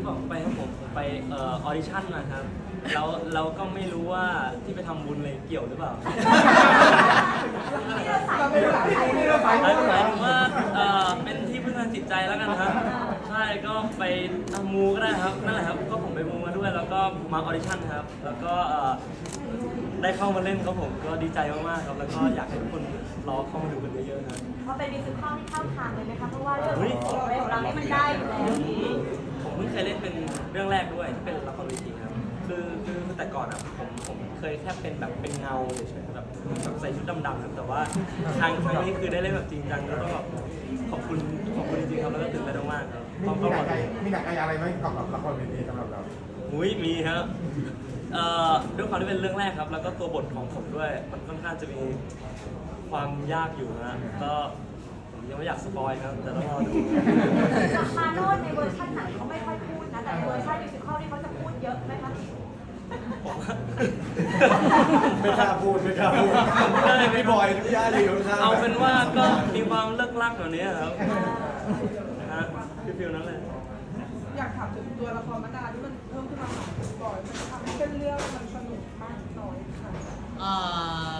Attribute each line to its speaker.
Speaker 1: ที่บอกไปครับผมไปออดิชั่นมาครับแล้วเราก็ไม่รู้ว่าที่ไปทำบุญอะไรเกี่ยวหรือเปล่าหมายถึงว่าเป็นที่พึ่งทางจิตใจแล้วกันครับใช่ก็ไปทำมูก็ได้ครับนั่นแหละครับก็ผมไปมูมาด้วยแล้วก็มาออดิชั่นครับแล้วก็ได้เข้ามาเล่นครับผมก็ดีใจมากๆครับแล้วก็อยากให้ทุกคนรอเข้ามาดูกันเยอะๆครับ
Speaker 2: เพราะเป็นมิวสิคัลที่เข้าทางเลยนะคะเพราะว่าเรื่องของเรานี่มันได้อยู่แล้ว
Speaker 1: ผมเพิ่งเคยเล่นเป็นเรื่องแรกด้วยที่เป็นละครเวทีครับคือแต่ก่อนอ่ะผมเคยแค่เป็นแบบเป็นเงาเฉยๆแบบใส่ชุดดำๆครับแต่ว่าครั้งนี้คือได้เล่นแบบจริงจังแล้วก็แบบขอบคุณจริงๆครับแล้วก็ตื่นเต้นมากครับ
Speaker 3: มีหนักใจอะไรไหมกับละครเวทีสำหรับเรา
Speaker 1: มีครับด้วยความที่เป็นเรื่องแรกครับแล้วก็ตัวบทของผมด้วยมันค่อนข้างจะมีความยากอยู่นะก็ผมยังไม่อยากสปอยครับแต่ต้องรอดู
Speaker 2: จากมาโน่ในเวอร์ชันหนังเขาไม่ค่อยพูดนะแต่ในเวอร์ชันมิวสิคัลนี่เขาจะพูดเยอะไหมคะ
Speaker 3: ไม่กล้าพูดพี่บอยทุกย่าอยู่ข้าง
Speaker 1: เอาเป็นว่าก็มีความเลิกลักแบบนี้ครับฮะฟิลนั้นเลย
Speaker 4: อยากถามถึงตัวละครมะนาวที่มันเพิ่มขึ้นมาบ่อยมันทำให้เส้นเรื่องมันสนุกมากน้อยค่ะ